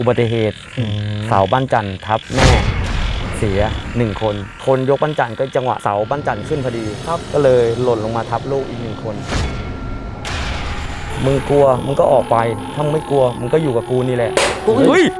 อุบัติเหตุเสาบ้านจันทร์ทับแม่เสีย1 คนคนยกบ้านจันทร์ก็จังหวะเสาบ้านจันทร์ขึ้นพอดีครับก็เลยหล่นลงมาทับลูกอีก1 คนมึงกลัวมึงก็ออกไปถ้ามึงไม่กลัวมึงก็อยู่กับกูนี่แหละเฮ้ย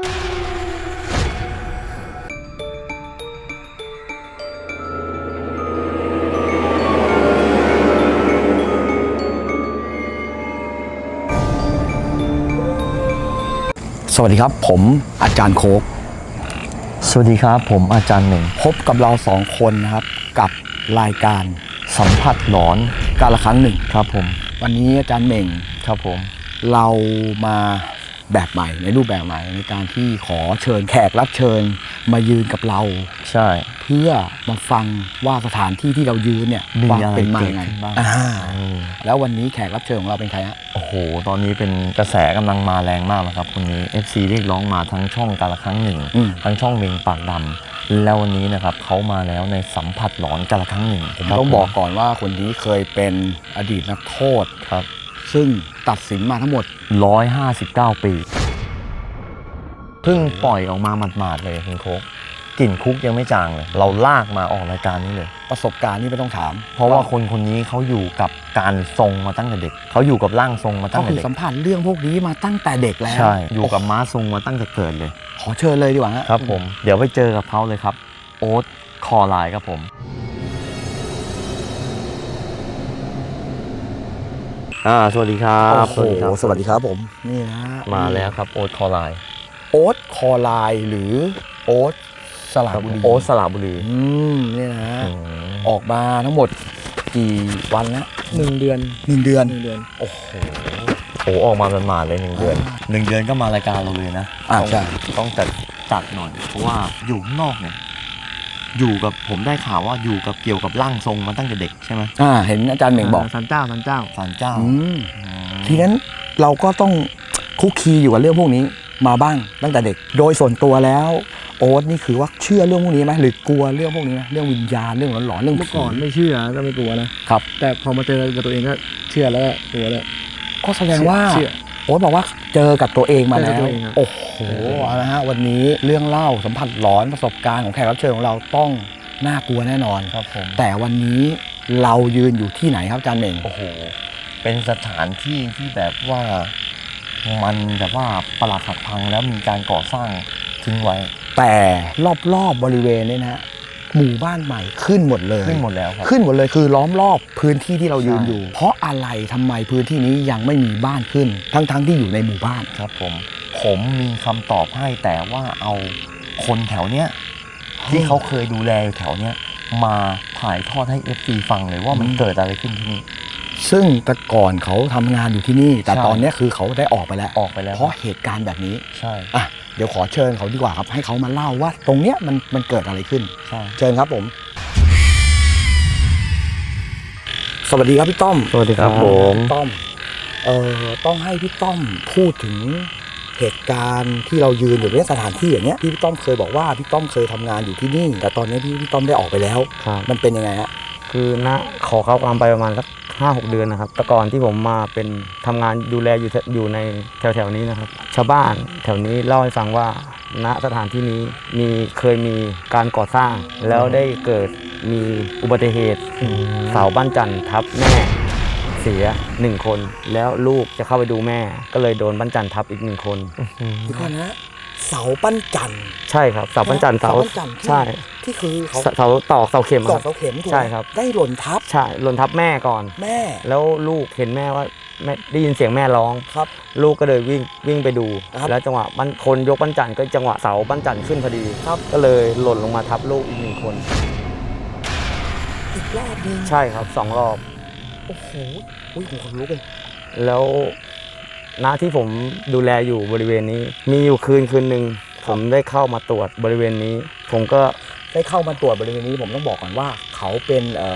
สวัสดีครับผมอาจารย์โค้กสวัสดีครับผมอาจารย์หนึ่งพบกับเรา2 คนนะครับกับรายการสัมผัสหลอนกาละครั้งหนึ่งครับผมวันนี้อาจารย์เหม่งครับผมเรามาแบบใหม่ในรูปแบบใหม่ในการที่ขอเชิญแขกรับเชิญมายืนกับเราใช่เพื่อมาฟังว่าสถานที่ที่เรายืนเนี่ยมีอะไรเป็นมาเกิดยังไงขึ้นบ้างแล้ววันนี้แขกรับเชิญของเราเป็นใครฮะโอ้โหตอนนี้เป็นกระแสกำลังมาแรงมากนะครับคนนี้ FC เรียกร้องมาทั้งช่องกาละครั้งหนึ่งทั้งช่องเมงปากดำแล้ววันนี้นะครับเขามาแล้วในสัมผัสหลอนกาละครั้งหนึ่งผมต้องบอกก่อนว่าคนนี้เคยเป็นอดีตนักโทษครับซึ่งตัดสินมาทั้งหมด 159 ปีเพิ่งปล่อยออกมาหมาดๆเลยคุณโค้กกลิ่นคุกยังไม่จางเลยเราลากมาออกรายการนี้เลยประสบการณ์นี่ไม่ต้องถามเพราะว่าคนนี้เขาอยู่กับการทรงมาตั้งแต่เด็กเขาอยู่กับร่างทรงมาตั้งแต่เด็กเขาสัมผัสเรื่องพวกนี้มาตั้งแต่เด็กแล้วใช่อยู่กับม้าทรงมาตั้งแต่เกิดเลยขอเชิญเลยดีกว่าครับผมเดี๋ยวไปเจอกับเขาเลยครับโอ๊ตคอไลน์ครับผมสวัสดีครับโอ้โหสวัสดีครับผมนี่นะมาแล้วครับโอ๊ตคอไลน์โอ๊ตคอไลน์หรือโอ๊ตสระบุรีโอ๊ตสระบุรีนี่นะออกมาทั้งหมดกี่วันแล้ว1 เดือนโอ้โหออกมาเป็นมาเลย1 เดือน1 เดือนก็มารายการเราเลยนะใช่ต้องจัดหน่อยเพราะว่าอยู่ข้างนอกเนี่ยอยู่กับผมได้ข่าวว่าอยู่กับเกี่ยวกับร่างทรงมาตั้งแต่เด็กใช่ไหมเห็นอาจารย์เหม่งบอกศาลเจ้าทีนั้นเราก็ต้องคุกคีอยู่กับเรื่องพวกนี้มาบ้างตั้งแต่เด็กโดยส่วนตัวแล้วโอ๊ตนี่คือว่าเชื่อเรื่องพวกนี้ไหมหรือกลัวเรื่องพวกนี้ไหมเรื่องวิญญาณเรื่องหลอนๆเรื่องเมื่อก่อนไม่เชื่อก็ไม่กลัวนะครับแต่พอมาเจอกับตัวเองก็เชื่อแล้วกลัวแล้วก็แสดงว่าโอ๊ตบอกว่าเจอกับตัวเองมาแล้วโอ้โหเอาละฮะวันนี้เรื่องเล่าสัมผัสหลอนประสบการณ์ของแขกรับเชิญของเราต้องน่ากลัวแน่นอนครับผมแต่วันนี้เรายืนอยู่ที่ไหนครับอาจารย์เหม่งโอ้โหเป็นสถานที่ที่แบบว่ามันแบบว่าปรักหักพังแล้วมีการก่อสร้างทิ้งไว้แต่รอบๆบริเวณนี้นะหมู่บ้านใหม่ขึ้นหมดเลยขึ้นหมดแล้วครับขึ้นหมดเลยคือล้อมรอบพื้นที่ที่เรายืนอยู่เพราะอะไรทำไมพื้นที่นี้ยังไม่มีบ้านขึ้นทั้งที่อยู่ในหมู่บ้านครับผมมีคำตอบให้แต่ว่าเอาคนแถวเนี้ยที่เขาเคยดูแลอยู่แถวเนี้ยมาถ่ายทอดให้ FC ฟังเลยว่ามันเกิดอะไรขึ้นที่นี่ซึ่งแต่ก่อนเขาทำงานอยู่ที่นี่แต่ตอนนี้คือเขาได้ออกไปแล้วเพราะเหตุการณ์แบบนี้ใช่เดี๋ยวขอเชิญเขาดีกว่าครับให้เขามาเล่าว่าตรงเนี้ยมันเกิดอะไรขึ้นเชิญครับผมสวัสดีครับพี่ต้อมสวัสดีครับผมต้อมต้องให้พี่ต้อมพูดถึงเหตุการณ์ที่เรายืนอยู่ในสถานที่อย่างเงี้ยพี่ต้อมเคยบอกว่าพี่ต้อมเคยทำงานอยู่ที่นี่แต่ตอนนี้พี่ต้อมได้ออกไปแล้วมันเป็นยังไงฮะคือขอเข้าความไปประมาณสัก5-6 เดือนนะครับแต่ก่อนที่ผมมาเป็นทำงานดูแลอยู่ในแถวนี้นะครับชาวบ้านแถวนี้เล่าให้ฟังว่าณสถานที่นี้เคยมีการก่อสร้างแล้วได้เกิดมีอุบัติเหตุเสาบ้านจันทร์ทับแม่เสีย1 คนแล้วลูกจะเข้าไปดูแม่ก็เลยโดนบ้านจันทร์ทับอีก1 คนดีกว่านะเสาปั้นจันทร์ใช่ครับเสาปั้นจันทร์ใช่ที่คือเสาตอกเสาเข็มครับใช่ครับได้หล่นทับใช่หล่นทับแม่ก่อนแม่แล้วลูกเห็นแม่ว่าแม่ได้ยินเสียงแม่ร้องครับลูกก็เลยวิ่งไปดูแล้วจังหวะคนยกบ้านจันทร์ก็จังหวะเสาบ้านจันทร์ขึ้นพอดีครับก็เลยหล่นลงมาทับลูกอีก1 คนอีกรอบนึงใช่ครับ2 รอบโอ้โหผมขนลุกเลยแล้วณที่ผมดูแลอยู่บริเวณนี้มีอยู่คืนหนึ่งผมได้เข้ามาตรวจบริเวณนี้ผมก็ได้เข้ามาตรวจบริเวณนี้ผมต้องบอกก่อนว่าเขาเป็นผ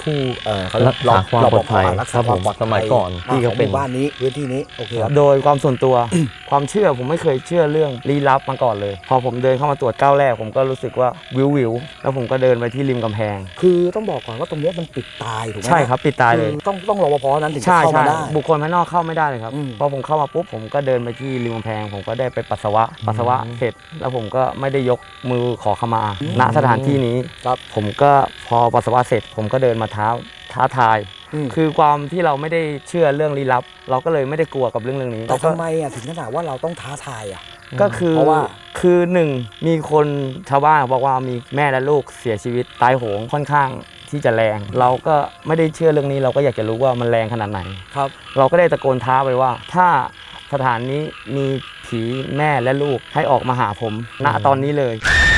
ผู้เขาเรียรักษาความปลอดภัยรักษาความปลอดภัยสมัยก่อนที่เขาเป็นของหมู่บ้านนี้พื้นที่นี้โอเคครับโดยความส่วนตัว ความเชื่อผมไม่เคยเชื่อเรื่องลี้ลับมาก่อนเลย พอผมเดินเข้ามาตรวจก้าวแรกผมก็รู้สึกว่าวิวแล้วผมก็เดินไปที่ริมกำแพงคือต้องบอกก่อนว่าตรงเนี้ยมันปิดตายถูกไหมใช่ครับปิดตายเลยคือต้องรปภนั้นถึงจะใช่เข้าใช่มาได้บุคคลภายนอกเข้าไม่ได้เลยครับอืมพอผมเข้ามาปุ๊บผมก็เดินไปที่ริมกำแพง ผมก็ได้ไปปัสสาวะเสร็จ แล้วผมก็ไม่ได้ยกมือขอขมาณสถานที่นี้ครับผมก็พอปัสสาวะเสร็จ ผมก็เดินมาท้าทาย คือความที่เราไม่ได้เชื่อเรื่องลี้ลับ เราก็เลยไม่ได้กลัวกับเรื่องนี้แต่ทำไมอ่ะถึงขนาดว่าเราต้องท้าทายอ่ะก็คือเพราะว่าคือหนึ่งมีคนชาวบ้านบอกว่ามีแม่และลูกเสียชีวิตตายโหงค่อนข้างที่จะแรง เราก็ไม่ได้เชื่อเรื่องนี้เราก็อยากจะรู้ว่ามันแรงขนาดไหนครับเราก็ได้ตะโกนท้าไปว่า ถ้าสถานนี้มีผีแม่และลูกให้ออกมาหาผมณตอนนี้เลย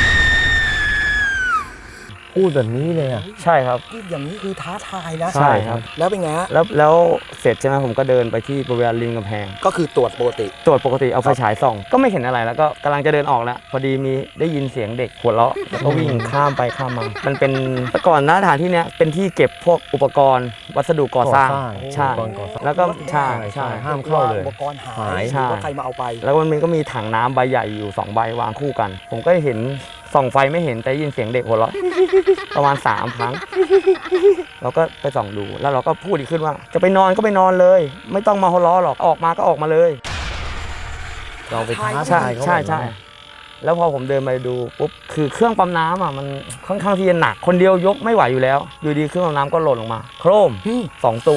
พูดแบบนี้เลยอ่ะใช่ครับที่อย่างนี้คือท้าทายนะใช่ครับแล้วเป็นไงฮะแล้วเสร็จใช่ไหมผมก็เดินไปที่บริเวณริมกำแพงก็คือตรวจปกติตรวจปกติเอาไฟฉายส่อง ก็ไม่เห็นอะไรแล้วก็กำลังจะเดินออกแล้วพอดีมีได้ยินเสียงเด็กหัวเราะแล้วก็วิ่งข้ามไปข้ามมา มันเป็นแต่ก่อนนะสถานที่เนี้ยเป็นที่เก็บพวกอุปกรณ์ วัสดุก่อสร้าง ใช่อุปกรณ์ก่อสร้างแล้วก็ใช่ใช่ใช่ห้ามเข้าเลยอุปกรณ์หาหายยหรือว่าใครมาเอาไปแล้วมันก็มีถังน้ำใบใหญ่อยู่2ใบวางคู่กัน ผมก็เห็นส่องไฟไม่เห็นแต่ได้ยินเสียงเด็กหัวเราะ ประมาณ3ครั้ง เราก็ไปส่องดูแล้วเราก็พูดอีกขึ้นว่า จะไปนอนก็ไปนอนเลย ไม่ต้องมาหัวเราะหรอกออกมาก็ออกมาเลยเราไปท้าใช่ทายเขาใช่แบบใช่นั้นแล้วพอผมเดินไปดูปุ๊บคือเครื่องปั๊มน้ำอ่ะมันค่อนข้างที่จะหนักคนเดียวยกไม่ไหวอยู่แล้ว อยู่ดีเครื่องปั๊มน้ำก็หล่นลงมาโครมอืม 2 ตัว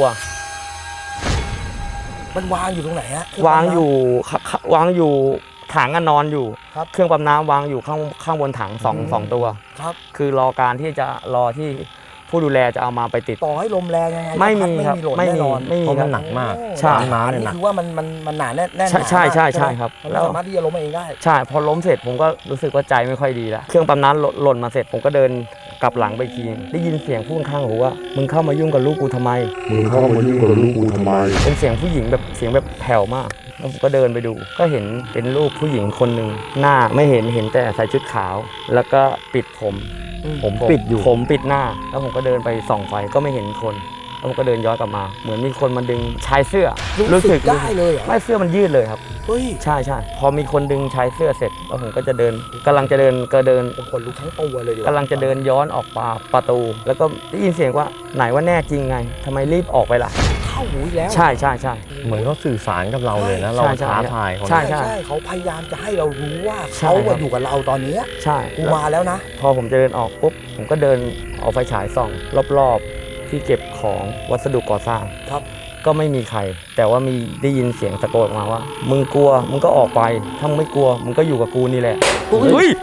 มันวางอยู่ตรงไหนฮะวางอยู่ถังก็นอนอยู่ครับเครื่องปั๊มน้ำวางอยู่ข้างบนถังสองตัวครับคือรอการที่จะรอที่ผู้ดูแลจะเอามาไปติดต่อให้ลมแรงยังไงไม่มีก็ครับหล่นไม่แน่มีนอนไม่มีเพราะคมัรับนหนักมากใช่น้ำอันเนี่ยนี้หนักคือว่ามันหนาแน่นใช่ใช่ใช่ใช่ไหมครับมันแล้ไม่วสามารถที่จะล้มเองได้ใช่พอล้มเสร็จผมก็รู้สึกว่าใจไม่ค่อยดีแล้วเครื่องปั๊มน้ำหล่นมาเสร็จผมก็เดินกลับหลังไปอีกทีได้ยินเสียงพูดข้างหูว่ามึงเข้ามายุ่งกับลูกกูทำไมมึงเข้ามายุ่งกับลูกกูทำไมเป็นเสียงผู้หญิงแบบเสียงแบบแผ่วมากแล้วผมก็เดินไปดู ก็เห็นเป็นรูปผู้หญิงคนหนึ่งหน้าไม่เห็นแต่ใส่ชุดขาว แล้วก็ปิดผมผมปิดอยู่ผมปิดหน้า แล้วผมก็เดินไปส่องไฟก็ไม่เห็นคนแล้วผมก็เดินย้อนกลับมา เหมือนมีคนมาดึงชายเสื้อรู้สึกได้เลยเหรอไม่เสื้อมันยืดเลยครับเฮ้ยใช่ใช่พอมีคนดึงชายเสื้อเสร็จแล้วผมก็จะเดินกำลังจะเดินก็เดินผมขนลุกทั้งตัวเลยดีว่กำลังจะเดินย้อนออกประตู แล้วก็ได้ยินเสียงว่าไหนว่าแน่จริงไงทำไมรีบออกไปล่ะเข้าหูอีกแล้วใช่ใช่ใช่เหมือนเขาสื่อสารกับเราเลยนะ เราใช่ใช่ท้าทายเขาใช่ใช่เขาพยายามจะให้เรารู้ว่าใช่เขาครับอยู่กับเราตอนเนี้ยใช่กูมาแล้วนะพอผมจะเดินออกปุ๊บผมก็เดินเอาไฟฉายส่องรอบๆที่เก็บของวัสดุก่อสร้างครับก็ไม่มีใคร แต่ว่ามีได้ยินเสียงตะโกนออกมาว่า มึงกลัวมึงก็ออกไปถ้ามึงไม่กลัวมึงก็อยู่กับกูนี่แหละเฮ้ย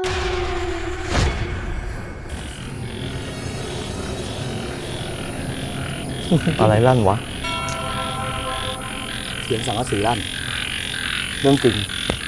อะไรลั่นวะเสียงสังกะสีลั่นเรื่องจริง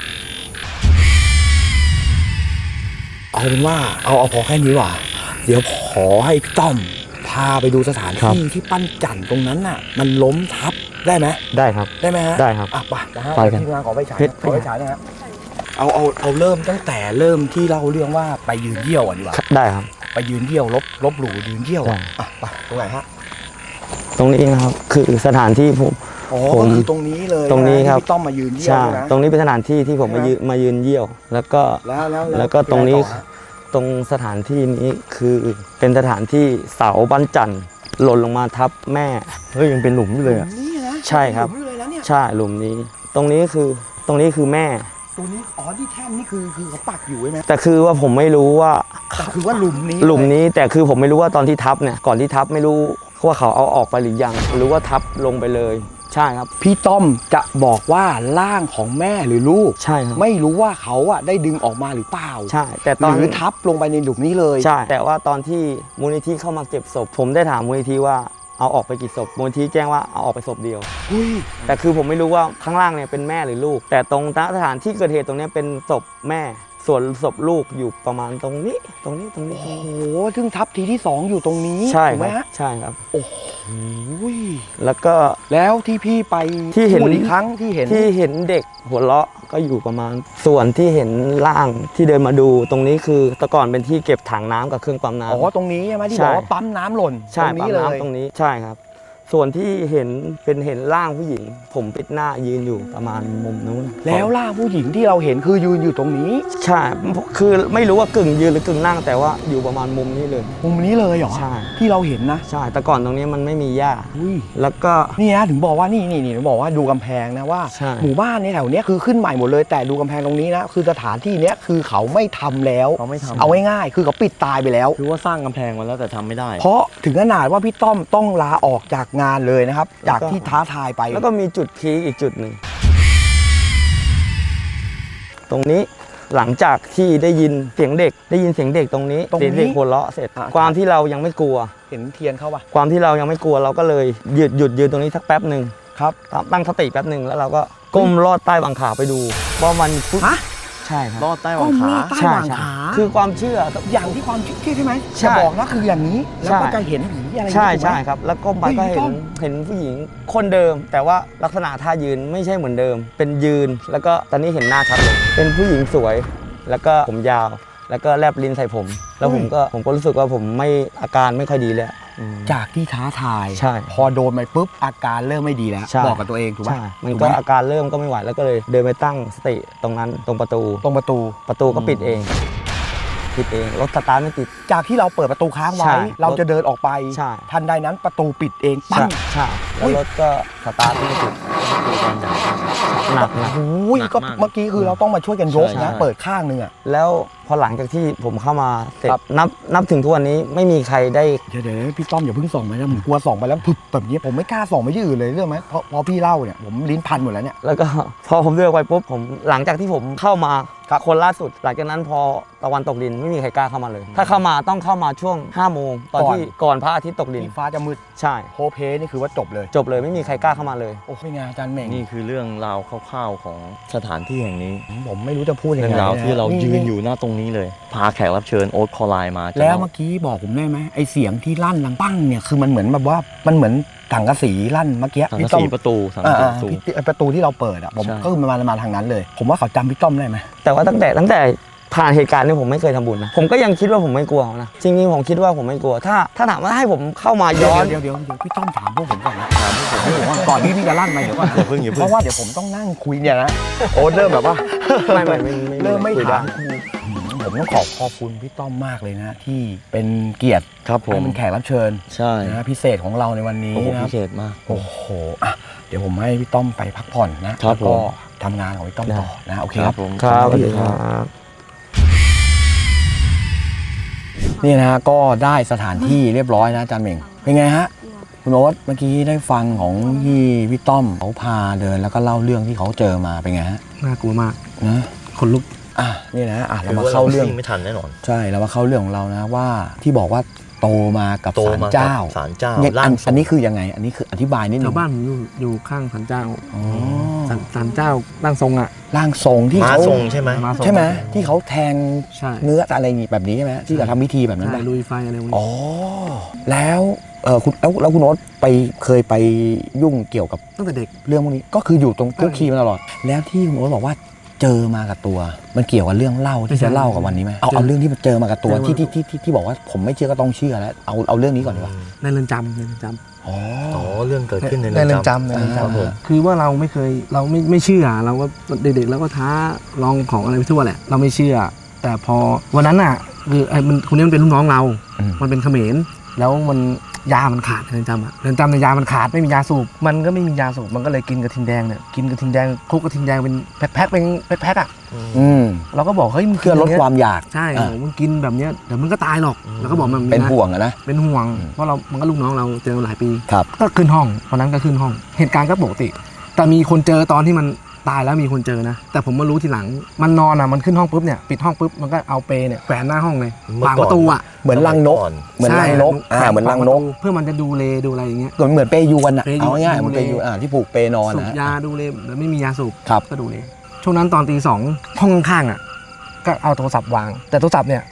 เอาเป็นว่าเอาพอแค่นี้ว่ะเดี๋ยวขอให้พี่ต้อมพาไปดูสถานครับที่ที่ปั้นจันตรงนั้นน่ะ มันล้มทับได้ไหมได้ครับได้ไหมฮะได้ครับอ่ะไปนะฮะไปกันทีมงานขอไปฉายเฮ้ยขอไปฉายนะฮะเอาเริ่มตั้งแต่เริ่มที่เล่าเรื่องว่าไปยืนเยี่ยวอ่ะดีกว่าได้ครับไปยืนเยี่ยวลบหลู่ยืนเยี่ยวอ่ะได้อ่ะไปตรงไหนฮะตรงนี้นะครับคือสถานที่ผมอ๋อผมก็คือตรงนี้เลยตรงนี้ะครับที่พี่ต้อมมายืนเยี่ยวใช่ใช่ไหมตรงนี้เป็นสถานที่ที่ผมใช่ไหมมายืนเยี่ยว แล้วก็แล้วก็ตรงนี้ยังไต่อฮะตรงสถานที่นี้คือเป็นสถานที่เสาบ้านจันทร์หล่นลงมาทับแม่เฮ้ยยังเป็นหลุมอยู่เลยอ่ะนี่นะใช่ครับหลุมอยู่เลยนะเนี่ยใช่หลุมนี้ ตรงนี้คือแม่ตัวนี้อ๋อที่แท่นนี่คือเขาปักอยู่ใช่ไหมแต่คือว่าผมไม่รู้ว่าแต่คือว่าหลุมนี้หลุมนี้แต่คือผมไม่รู้ว่าตอนที่ทับเนี่ยก่อนที่ทับไม่รู้ว่าเขาเอาออกไปหรือยังหรือว่าทับลงไปเลย ใช่ครับพี่ต้อมจะบอกว่าร่างของแม่หรือลูกใช่ครับไม่รู้ว่าเขาอะได้ดึงออกมาหรือเปล่าใช่ แต่ตอนหรือทับลงไปในหลุมนี้เลยใช่ แต่ว่าตอนที่มูลนิธิเข้ามาเก็บศพ ผมได้ถามมูลนิธิว่าเอาออกไปกี่ศพมูลนิธิแจ้งว่าเอาออกไปศพเดียวเฮ้ยแต่คือผมไม่รู้ว่าข้างล่างเนี่ยเป็นแม่หรือลูก แต่ตรงสถานที่เกิดเหตุตรงเนี้ยเป็นศพแม่ ส่วนศพลูกอยู่ประมาณตรงนี้โอ้โหซึ่งทับทีที่ 2 อยู่ตรงนี้ใช่ถูกคไหมรับฮะใช่ครับโอ้โหแล้วก็แล้วที่พี่ไปที่เห็นพูดอีกครั้งที่เห็นเด็กหัวเราะก็อยู่ประมาณ ส่วนที่เห็นร่างที่เดินมาดูตรงนี้คือแต่ก่อนเป็นที่เก็บถังน้ำกับเครื่องปั๊มน้ำอ๋อตรงนี้ใช่ไหมที่ใช่บอกว่าปั๊มน้ำหล่นใช่ตรงปั๊นี้มเลยน้ำตรงนี้ใช่ครับ ส่วนที่เห็นเห็นร่างผู้หญิง ผมปิดหน้ายืนอยู่ประมาณมุมนู้นแล้วร่างผู้หญิงที่เราเห็นคือยืนอยู่ตรงนี้ใช่คือไม่รู้ว่ากึ่งยืนหรือกึ่งนั่งแต่ว่าอยู่ประมาณมุมนี้เลยมุมนี้เลยเหรอใช่ที่เราเห็นนะใช่แต่ก่อนตรงนี้มันไม่มีหญ้าอุ้ยแล้วก็นี่นะถึงบอกว่านี่ถึงบอกว่าดูกำแพงนะว่าใช่หมู่บ้านในแถวเนี้ยคือขึ้นใหม่หมดเลยแต่ดูกำแพงตรงนี้นะคือสถานที่เนี้ยคือเขาไม่ทำแล้วเขาไม่ทำเอาง่ายๆคือเขาปิดตายไปแล้วคือว่าสร้างกำแพงมาแล้วแต่ทำไม่ได้เพราะถึงขนาดว่าพี่ต้อมต้องลาออกจากงานเลยนะครับจากที่ท้าทายไปแล้วก็มีจุดพีคอีกจุดหนึ่งตรงนี้หลังจากที่ได้ยินเสียงเด็กตรงนี้เสียงเด็กหัวเราะเสร็จ ความที่เรายังไม่กลัวเห็นเทียนเข้าปะความที่เรายังไม่กลัวเราก็เลยหยุดยืนตรงนี้สักแป๊บหนึ่งครับตั้งสติแป๊บหนึ่งแล้วเราก็ก้มลอดใต้บังขาไปดูว่ามันพุทธฮะใช่ครับรอดใต้หวังขาใต้ใช่หว่างใช่ขาคือความเชื่ออย่างที่ความคิดใช่ไหมใช่จะบอกนะคืออย่างนี้แล้วก็ใช่จะเห็นผีอะไรอย่างใช่นี้ถูกไหมใช่ครับ แล้วก้มไปก็เฮ้ยพี่ต้อมเห็นผู้หญิงคนเดิม แต่ว่าลักษณะท่ายืนไม่ใช่เหมือนเดิม เป็นยืนแล้วก็ตอนนี้เห็นหน้าชัดเลยเป็นผู้หญิงสวย แล้วก็ผมยาว แล้วก็แลบลิ้นใส่ผม แล้วผมก็รู้สึกว่าผมไม่อาการไม่ค่อยดีแล้วจากที่ท้าทายใช่พอโดนไปปุ๊บอาการเริ่มไม่ดีแล้วใช่บอกกับตัวเองถูกไหมใช่มันถูก็ไหอาการเริ่มก็ไม่ไหวแล้วก็เลยเดินไปตั้งสติตรงนั้นตรงประตูตรงประตูก็ปิดเองรถสตาร์ทไม่ติดจากที่เราเปิดประตูค้างไว้ใช่เราจะเดินออกไปใช่ทันใดนั้นประตูปิดเองปั้ใช่งใช่แล้วรถก็สตาร์ทไม่ติดหนักโอ้ยหนักก็มากเมื่อกี้คือเราต้องมาช่วยกันยกใช่นะใช่เปิดข้างหนึงอ่ะแล้วพอหลังจากที่ผมเข้ามาเสร็จครับนับถึงทุกวันนี้ไม่มีใครได้เดี๋ยวพี่ต้อมอย่าเพิ่งส่องไปนะผมกลัวส่องไปแล้วพึบแบบนี้ผมไม่กล้าส่องไปที่อื่นเลยเรื่องไหมเพราะพี่เล่าเนี่ยผมลิ้นพันหมดแล้วเนี่ยแล้วก็ พอผมเดินไปปุ๊บผมหลังจากที่ผมเข้ามาคนล่าสุด หลังจากนั้นพอตะวันตกดินไม่มีใครกล้าเข้ามาเลย ถ้าเข้ามาต้องเข้ามาช่วง5 โมงตอนที่ก่อนพระอาทิตย์ตกดินที่ฟ้าจะมืดใช่โพเพนี่คือว่าจบเลยจบเลยไม่มีใครกล้าเข้ามาเลยโอ้เป็นไงอาจารย์เหม่งนี่คือเรื่องราวคร่าวๆของสถานที่แห่งนี้ผมไม่รู้จะพูดยังเรื่อไงงราวนะที่เรายืนอยู่หน้าตรงนี้เลย พาแขกรับเชิญโอ๊ตคอไลน์มาจะแล้วเล่าเมื่อกี้บอกผมได้ไหมไอเสียงที่ลั่นดังปั้งเนี่ยคือมันเหมือนแบบว่ามันเหมือนถังกระสีลั่นเมื่อกี้สังพี่กะต้อสีมประตูสังกะสีประตูประตูที่เราเปิดอ่ะผมใช่ก็คือมาทางนั้นเลย ผมว่าเขาจำพี่ต้อมได้ไหมแต่ว่าตั้งแต่ผ่านเหตุการณ์นี้ผมไม่เคยทำบุญนะผมก็ยังคิดว่าผมไม่กลัวนะจริงๆผมคิดว่าผมไม่กลัวถ้าถามว่าให้ผมเข้ามาย้อนเดี๋ยวพี่ต้อมถามพวกผมก่อนนะถามพวกผมก่อนก่อนที่พี่จะลั่นไปเดี๋ยวก่อนอย่าเพิ่งเพราะว่าเดี๋ยวผมต้องนั่งคุยเนี่ยนะโอ้เริ่มแบบว่าไม่เริ่มไม่คุยได้ถามครูผมต้องขอบคุณพี่ต้อมมากเลยนะที่เป็นเกียรติครับผมให้เป็นแขกรับเชิญใช่นะพิเศษของเราในวันนี้โอ้โหนะพิเศษมากโอ้โหอ่ะเดี๋ยวผมให้พี่ต้อมไปพักผ่อนนะครับ แล้วก็ผมทำงานของพี่ต้อมต่อนะโอเคคครัรับบ ผมครับสวัสดีครับนี่นะฮะก็ได้สถานที่เรียบร้อยนะอาจารย์เหม่งเป็นไงฮะคุณโอ๊ตเมื่อกี้ได้ฟังของพี่ต้อมเขาพาเดินแล้วก็เล่าเรื่องที่เขาเจอมาเป็นไงฮะน่ากลัวมากนะคนลุกอ่ะนี่นะอ่ะเรามาเข้าเรื่องไม่ทันแน่นอนใช่เรามาเข้าเรื่องของเรานะว่าที่บอกว่าโตมากับโตศาลมากับเจ้าศาลเจ้าเนี่ยร่างทรงอันนี้คือยังไง อันนี้คืออธิบายนิดนึชาง วบ้านผมอยู่ข้างศาลเจ้าอ๋อศาลเจ้าร่างทรงอ่ะร่างทรงที่ม้าเขาทรงใช่ไหมมาทรงใช่ไหมที่เขาแทงใช่เนื้ออะไรแบบนี้ใช่ไหมที่เขาทำพิธีแบบนั้นใช่ปะลุยไฟอะไรพวกนี้อ๋อแล้วคุณแล้วคุณโอ๊ตเคยไปยุ่งเกี่ยวกับตั้งแต่เด็กเรื่องพวกนี้ก็คืออยู่ตรงคุกคีมาตลอด แล้วที่คุณโอ๊ตบอกว่าเจอมากับตัว มันเกี่ยวกับเรื่องเล่าที่จะเล่ากับวันนี้ไหมเอาเรื่องที่มันเจอมากับตัวที่บอกว่าผมไม่เชื่อก็ต้องเชื่อแล้วเอาเรื่องนี้ก่อนดีกว่าในเรือนจำในเรือนจอ๋ออ๋อเรื่องเกิดขึ้นในำในเรือนจำในเรือนครับผมจำคือว่าเราไม่เคยเราไม่เชื่อเราก็เด็กๆเราก็ท้าลองของอะไรไปทั่วแหละเราไม่เชื่อ แต่พอวันนั้นอ่ะคือไอ้มันคนนี้มันเป็นลูกน้องเรา มันเป็นเขมรแล้วมันยามันขาดในเรือนจำอะเรือนจำในยามันขาดไม่มียาสูบมันก็ไม่มียาสูบมันก็เลยกินกระทิงแดงเนี่ยกินกระทิงแดงคลุกกระทิงแดงเป็นแพ็คเป็นแพ็คอ่ะอืมเราก็บอกเฮ้ยมึงกิเพื่อน ลดย่งงี้ยความอยากใช่อ่ะมึงกินแบบเนี้ยเดี๋ยวมึงก็ตายหรอกแล้วก็บอกมันเป็นนะห่วงอะนะเป็นห่วงเพราะมันก็ลูกน้องเราเจอหลายปีครับก็ขึ้นห้องวันนั้นก็ขึ้นห้อง เหตุการณ์ก็ปกติ แต่มีคนเจอตอนที่มันตายแล้วมีคนเจอนะแต่ผมมารู้ทีหลังมันนอนอ่ะมันขึ้นห้องปุ๊บเนี่ยปิดห้องปุ๊บมันก็เอาเปเนี่ยแขวนหน้าห้องเลยขวางประตูอ่ะเหมือนรังนก เหมือนรังนกใช่เหมือนรังนกเพื่อมันจะดูเลดูอะไรอย่างเงี้ยเหมือนเปยวนอะเปยวนเอาง่ายๆเหมือนเปยวนที่ผูกเปนอนสูบนะยาดูเลแล้วไม่มียาสูบครับก็ดูเลช่วงนั้นตอนตี 2ห้องข้างๆอ่ะก็เอาโทรศัพท์วาง แต่โทรศัพท์เนี่ย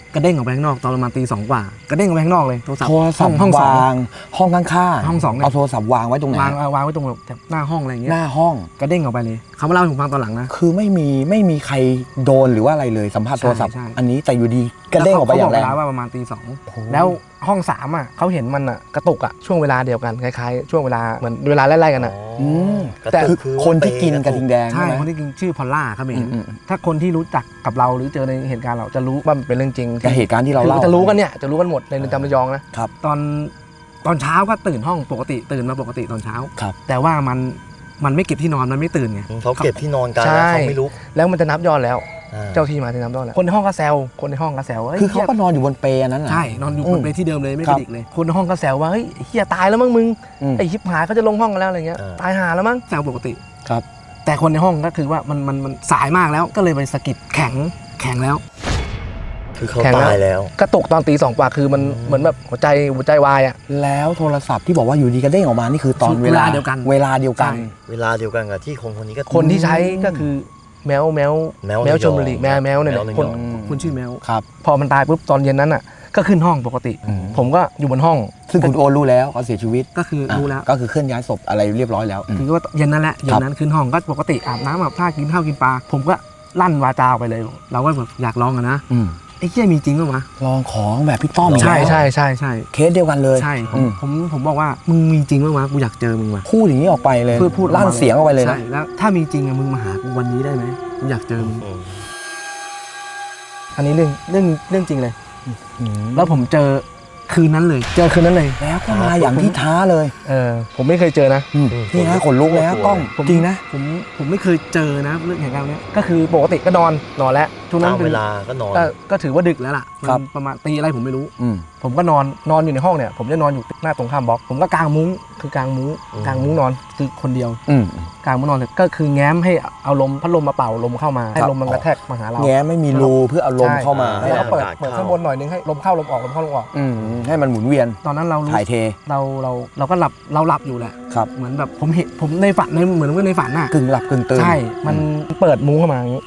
กระเด้งออกไปข้างนอกตอนประมาณตี 2กว่ากระเด้งออกไปข้างนอกเลยโทรศัพท์โทรศัพท์ห้องสองวางห้องข้างๆห้องสองเนี่ยเอาโทรศัพท์วางไว้ตรงไหนวางไว้ตรงแบบหน้าห้องอะไรอย่างเงี้หยน้าห้องกระเด้งออกไปเลยเขามาเล่าให้ผมฟังตอนหลังนะคือไม่มีใครโดนหรือว่าอะไรเลยสัมผัสโทรศัพท์ใช่อันนี้แต่อยู่ดีกระเด้งออกไปอย่างแรงเขบเวลาว่าประมาณตี 2แล้วห้อง3อ่ะเขาเห็นมันอ่ะกระตุกอ่ะช่วงเวลาเดียวกันคล้ายๆช่วงเวลาเหมือนเวลาไล่ๆกันอ่ะกระแต่ตุคืกอคนที่กินกระทิงแดงใช่ใช่ไหมคนที่กินชื่อพอลล่าครับเห็นอืมถ้าคนที่รู้จักกับเราหรือเจอในเหตุการณ์เราจะรู้ว่ามันเป็นเรื่องจริงกับเหตุการณ์ที่เราคือเล่าจะรู้กันเนี่ยจะรู้กันหมดในเรือนจำระยองนะครับ ตอนเช้าก็ตื่นห้องปกติตื่นมาปกติตอนเช้าครับแต่ว่ามันไม่เก็บที่นอนมันไม่ตื่นไงเขาเก็บที่นอนกันใช่แล้วเขาไม่ลุกแล้วมันจะนับยอดแล้วอ่าเจ้าที่มาที่นับยอดแล้วคนในห้องก็แซวคนในห้องก็แซวว่าฮ้ยคือเขาก็นอนอยู่บนเปลอันนั้นน่ะใช่นอนอยู่อืบมนเปลที่เดิมเลยไม่คกรัระบดิกเลยคนในห้องก็แซวว่าเฮ้ยเฮียตายแล้วมั้งมึงอืมไอ้ชิบหายเขาจะลงห้องกันแล้วอะไรเงี้ยตายหาแล้วมั้งแซวปกติครับแต่คนในห้องก็คือว่ามันสายมากแล้วก็เลยไปสะกิดแข็งแล้วคือเขาแข็งแล้วตายแล้วกระตุกตอนตี 2กว่าคือมันเหมือนแบบหัวใจวายอ่ะแล้วโทรศัพท์ที่บอกว่าอยู่ดีกระเด้งออกมานี่คือตอนเวลาเดียวกันเวลาเดียวกันใช่เวลาเดียวกันกับที่คนนี้ก็คนที่ใช้ก็คือแมวชลบุรีแมวเนี่ยแมวระยองคนชื่อแมวครับพอมันตายปุ๊บตอนเย็นนั้นอ่ะก็ขึ้นห้องปกติอืมผมก็อยู่บนห้องซึ่งคุณโอรู้แล้วเขาเสียชีวิตก็คือรู้แล้วก็คือเคลื่อนย้ายศพอะไรเรียบร้อยแล้วอืมคือว่าเย็นนั่นแหละเย็นนั้นขึ้นห้องก็ปกติอาบน้ำอาบท่ากินข้าวกินปลาผมก็ลั่นวาจาออกไปเลย เราก็แบบอยากลองอะนะอืมไอ้เหี้ยมีจริงป่ะวะลองของแบบพี่ต้อมอีกใช่แล้วใช่ใช่ใช่เคสเดียวกันเลยใช่อืมผมบอกว่ามึงมีจริงป่ะวะกูอยากเจอมึงว่ะพูดอย่างนี้ออกไปเลยเพื่อพูดลั่นเสียงออกไปเลยนะใช่แล้วถ้ามีจริงอะมึงมาหากูวันนี้ได้ไหมกูอยากเจอมึงอืมอันนี้เรื่องจริงเลยอืมแล้วผมเจอคืนนั้นเลย เจอคืนนั้นเลยแล้วก็มาอย่างที่ท้าเลยผมไม่เคยเจอนะอืมนี่นะขนลุกเลยนะกล้องผมจริงนะผมไม่เคยเจอนะเรื่องเหตุการณ์เนี้ยก็คือปกติก็นอนแล้วช่วงนั้นตามป็นเวลาก็นอนก็ถือว่าดึกแล้วล่ะครับมันประมาณตีอะไรผมไม่รู้อืมผมก็นอนอยู่ในห้องเนี่ยผมจะนอนอยู่หน้าตรงข้ามบล็อกผมก็กางมุ้งกางมุ้งนอนคือคนเดียวอืมกางมุ้งนอนเสร็จก็คือแง้มให้เอาพัดลมมาเป่าลมเข้ามาให้ครับลมมันกระแทกมาหาเราแง้ไม่มีรูเพื่อเอาลมเข้ามาใช่แล้วก็เปิดให้อากาศเข้าข้างบนหน่อยนึงให้ลมเข้าลมออกลมเข้าลมออกอืมให้มันหมุนเวียนตอนนั้นเรารู้ถ่ายเทเราก็หลับอยู่แหละครับเหมือนแบบผมในฝันเหมือนว่าในฝันน่ะกึ่งหลับกึ่งตื่นใช่มันเปิดมุ้งเข้ามาอย่างนี้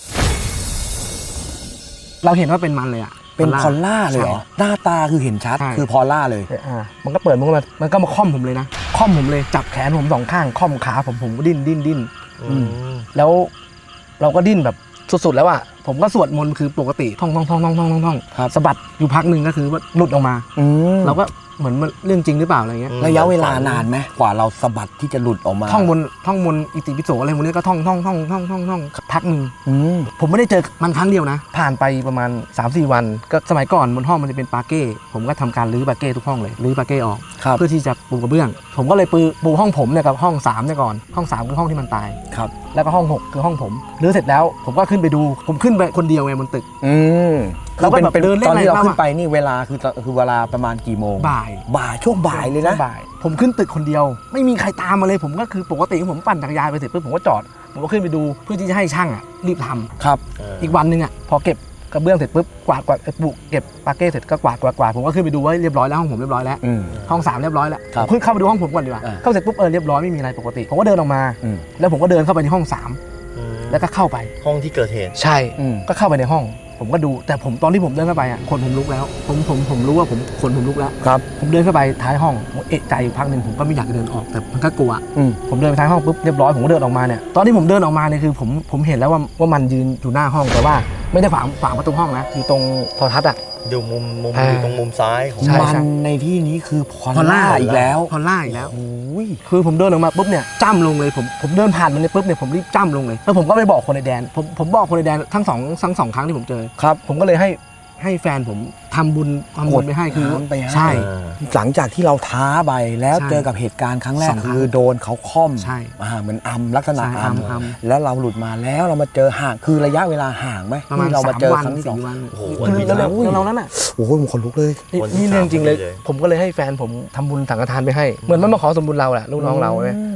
เราเห็นว่าเป็นมันเลยอ่ะเป็นพอลล่าเลยเหรอ หน้าตาคือเห็นชัดใช่คือพอลล่าเลยมันก็เปิดมุ้งมามันก็มาค่อมผมเลยนะค่อมผมเลยจับแขนผมสองข้างค่อมขาผมก็ดิ้นอืมแล้วเราก็ดิ้นแบบสุดๆแล้วอ่ะผมก็สวดมนต์คือปกติท่องครับสะบัดอยู่พักหนึ่งก็คือว่าหลุดออกมาอืมเราก็เหมือนมันเรื่องจริงหรือเปล่าอะไรเงี้ยระยะเวลานานไหมกว่าเราสะบัดที่จะหลุดออกมาท่องมนต์อิติปิโสอะไรพวกนี้ก็ท่องพักหนึ่งอืมผมไม่ได้เจอมันครั้งเดียวนะ ผ่านไปประมาณ 3-4 วันก็สมัยก่อนบนห้องมันจะเป็นปาเก้ผมก็ทำการรื้อปาเก้ทุกห้องเลยรื้อปาเก้ออกครับเพื่อที่จะปูกระเบื้อง ผมก็เลยปูห้องผมเนี่ยกับห้อง3เนี่ยก่อนห้อง3คือห้องที่มันตายครับแล้วก็ห้อง6คือห้องผมรื้อเสร็จแล้วผมก็ขึ้นไปดูผมขึ้นไปคนเดียวไงบนตึกอืมเราก็แบบเป็นเดินเล่นตอนที่เราอะไรบ้างขึ้นไปนี่เวลาคือเวลาประมาณกี่โมงบ่ายช่วงบ่ายเลยนะบ่ายผมขึ้นตึกคนเดียว ไม่มีใครตามมาเลยผมก็คือปกติผมปั่นจักรยานไปเสร็จปุ๊บผมก็จอดผมก็ขึ้นไปดูเพื่อที่จะให้ช่างอ่ะรีบทำครับอีกวันหนึงอ่ะพอเก็บกระเบื้องเสร็จปุ๊บกวาดปุเก็บปาเก้เสร็จก็กวาดผมก็ขึ้นไปดูว่าเรียบร้อยแล้วห้องผมเรียบร้อยแล้วอืมห้อง3เรียบร้อยแล้วครับผมขึ้นเข้าไปดูห้องผมก่อนดีกว่าอ่าเข้าเสร็จปุ๊บเรียบร้อยไม่มีอะไรปกติผมก็เดินออกมาอืมแล้วผมก็เดินเข้าไปในห้อง3 อืมแล้วก็เข้าไปห้องที่เกิดเหตุใช่อืมก็เข้าไปในห้อง ผมก็ดูแต่ผมตอนที่ผมเดินเข้าไปอ่ะขนผมลุกแล้วผมรู้ว่าขนผมลุกแล้วครับผมเดินเข้าไปท้ายห้องผมเอะใจอยู่พักหนึ่งผมก็ไม่อยากจะเดินออกแต่มันก็กลัวอืมผมเดินไปท้ายห้องปุ๊บเรียบร้อยผมก็เดินออกมาเนี่ยตอนที่ผมเดินออกมาเนี่ยคือผมเห็นแล้วว่ามันยืนอยู่หน้าห้องแต่ว่าไม่ได้ฝาประตูห้องนะอยู่ตรงโทรทัศน์อ่ะอยู่มุมอ่าอยู่ตรงมุมซ้ายของใช่มันในที่นี้คือพอลล่าอีกแล้วพอล่าอีกแล้วโอ้ยคือผมเดินออกมาปุ๊บเนี่ยจ้ำลงเลยผมเดินผ่านมันเนี่ยปุ๊บเนี่ยผมรีบจ้ำลงเลยแล้วผมก็ไปบอกคนในแดนผมบอกคนในแดนทั้งสองครั้งที่ผมเจอครับผมก็เลยให้แฟนผมทำบุญไปให้คือทำไปให้ใช่อ่าหลังจากที่เราท้าไปแล้วใช่เจอกับเหตุการณ์ครั้งแรกสองครั้งคือโดนเขาค่อมใช่เหมือนลักษณะใช่อัมแล้วเราหลุดมาแล้วเรามาเจอห่างคือระยะเวลาห่างไหมประมาณที่เรามา 3 เจอวันครั้งที่สอง 4 วันโอ้โหคือเร็วๆนั้นอ่ะโอ้โหผมขนลุกเลยนี่เรื่องจริงเลยวันที่ผมก็เลยให้แฟนผมทำบุญสังฆทานไปให้เหมือนมันมาขอสมบุญเราแหละลูกน้องเราใช่ไหม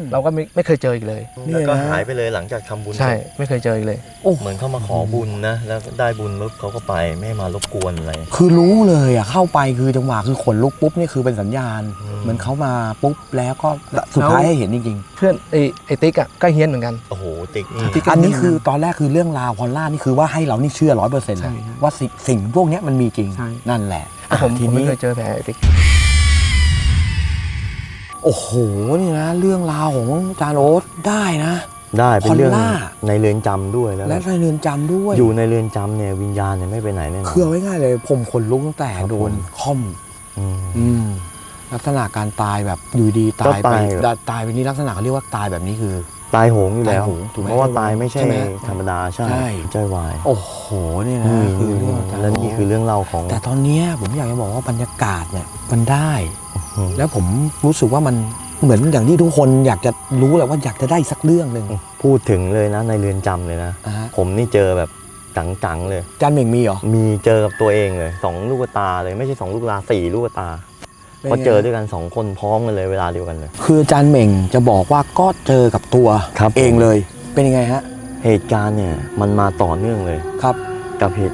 เราก็ไม่เคยเจออีกเลยแล้วก็หายไปเลยหลังจากทำบุญใช่ไม่เคยเจออีกเลยเหมือนเขามาขอบุญนะแล้วได้บุญปุ๊บเขาก็ไปไม่มารบกวนอะไรคือรู้เลยอ่ะเข้าไปคือจังหวะคือขนลุกปุ๊บนี่คือเป็นสัญญาณ เหมือนเขามาปุ๊บแล้วก็สุดท้ายให้เห็นจริงเพื่อนไอ้ติ๊กอ่ะก็เฮี้ยนเหมือนกันโอ้โหติ๊กนี่ๆอันนี้คือตอนแรกคือเรื่องราวพอลล่านี่คือว่าให้เรานี่เชื่อ100%เลยใช่ว่าสิ่งพวกเนี้ยมันมีจริงใช่นั่นแหละผมทีไม่นี้เคยเจอแผลไอ้ติ๊กโอ้โหนี่นะเรื่องราวของอาจารย์โอ๊ตได้นะได้เป็นเรื่องพอลล่าในเรือนจำด้วยแล้วและในเรือนจำด้วยอยู่ในเรือนจำเนี่ยวิญญาณเนี่ยไม่ไปไหนแน่นอนคือเอาไว้ง่ายเลยผมขนลุกตั้งแต่ครับโดนผมค่อมอืมลักษณะการตายแบบอยู่ดีตายก็ไปตายตายไปนี่ลักษณะเขาเรียกว่าตายแบบนี้คือตายโหงอยู่แล้วตายโหงถูกไหมเพราะว่าตายไม่ใช่ใช่ไหมธรรมดาใช่ใช่ใจวายโอ้โหนี่นะคือเรื่องอาจารย์และนี่คือเรื่องเล่าของแต่ตอนเนี้ยผมอยากจะบอกว่าบรรยากาศเนี่ยมันได้อืมแล้วผมรู้สึกว่ามันเหมือนอย่างที่ทุกคนอยากจะรู้แหละว่าอยากจะได้สักเรื่องหนึ่งพูดถึงเลยนะในเรือนจำเลยนะอ่าฮะผมนี่เจอแบบจังๆเลยอาจารย์เหม่งมีเหรอมีเจอกับตัวเองเลย2 ลูกตาเลยไม่ใช่2 ลูกตา4 ลูกตาเป็นไงเพราะเจอด้วยกัน2 คนพร้อมกันเลยเวลาเดียวกันเลยคืออาจารย์เหม่งจะบอกว่าก็เจอกับตัวครับเองเลยเป็นยังไงฮะเหตุการณ์เนี่ยมันมาต่อเนื่องเลยครับกับเหตุ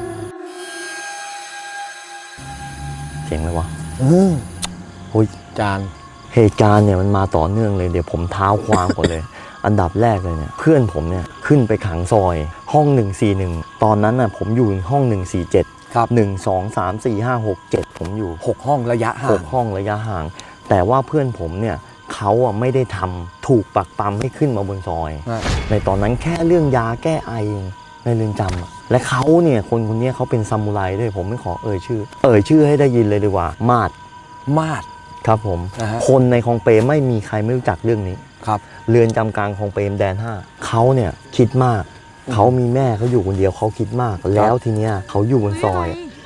เสียงอะไรวะ โอ้ยอาจารย์เหตุการณ์เนี่ยมันมาต่อเนื่องเลยเดี๋ยวผมเท้าความก่อนเลย อันดับแรกเลยเนี่ยเพื่อนผมเนี่ยขึ้นไปขังซอยห้อง 141 ตอนนั้นน่ะผมอยู่ห้อง 147 ครับ 1 2 3 4 5 6 7 ผมอยู่ 6 ห้องระยะห่าง 6 ห้องระยะห่าง แต่ว่าเพื่อนผมเนี่ยเขาอ่ะไม่ได้ทำถูกปักปั๊มให้ขึ้นมาบนซอยอ่ะในตอนนั้นแค่เรื่องยาแก้ไอเองในเรือนจำอะและเขาเนี่ยคนเนี้ยเขาเป็นซามูไรด้วยผมไม่ขอเอ่ยชื่อให้ได้ยินเลยดีกว่ามาดมาดครับผมนะฮะคนในคลองเปรมไม่มีใครไม่รู้จักเรื่องนี้ครับเรือนจำกลางคลองเปรมแดน 5เขาเนี่ยคิดมาก เขามีแม่เขาอยู่คนเดียวเขาคิดมาก แล้วทีเนี้ยเขาอยู่บนซอย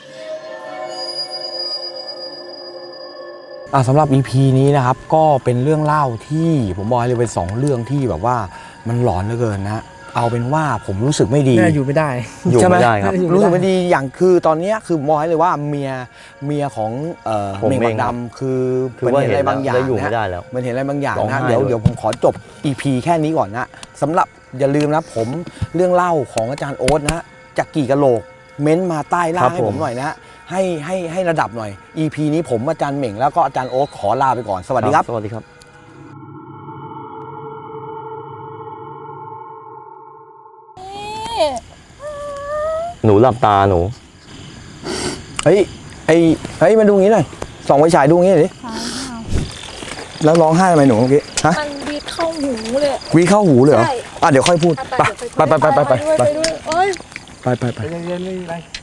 สำหรับ EP นี้นะครับก็เป็นเรื่องเล่าที่ผมบอกเลยเป็น2เรื่องที่แบบว่ามันหลอนเหลือเกินนะ เอาเป็นว่าผมรู้สึกไม่ดีแม่อยู่ไม่ได้อยู่ใช่หไม่ได้ครับรู้สึกไม่ดีอย่างคือตอนเนี้ยคือมองให้เลยว่าเมียของผมเมงเองบักดำคือคือมันว่าเห็นอะไรบางอย่างแล้วอยู่นะไม่ได้แล้วมันเห็นอะไรบางอย่างร้องนะไห้เดี๋ยวเลยเดี๋ยวผมขอจบ EP แค่นี้ก่อนนะสำหรับอย่าลืมนะผมเรื่องเล่าของอาจารย์โอ๊ตนะจากกี่กะโหลกเม้นต์มาใต้ล่างให้ผมหน่อยนะให้ระดับหน่อย EP นี้ผมอาจารย์เหม่งแล้วก็อาจารย์โอ๊ตขอลาไปก่อนสวัสดีครับสวัสดีครับ หนูหลับตาหนูเฮ้ยมาดูงี้หน่อยส่องไฟฉายดูงี้หน่อยดิแล้วร้องไห้ทำไมหนูเมื่อกี้ฮะมันวีดเข้าหูเลยวีเข้าหูเลยเหรอใช่เดี๋ยวค่อยพูดไปไปด้วยไปโอ๊ยไปเย็นๆไม่มีอะไร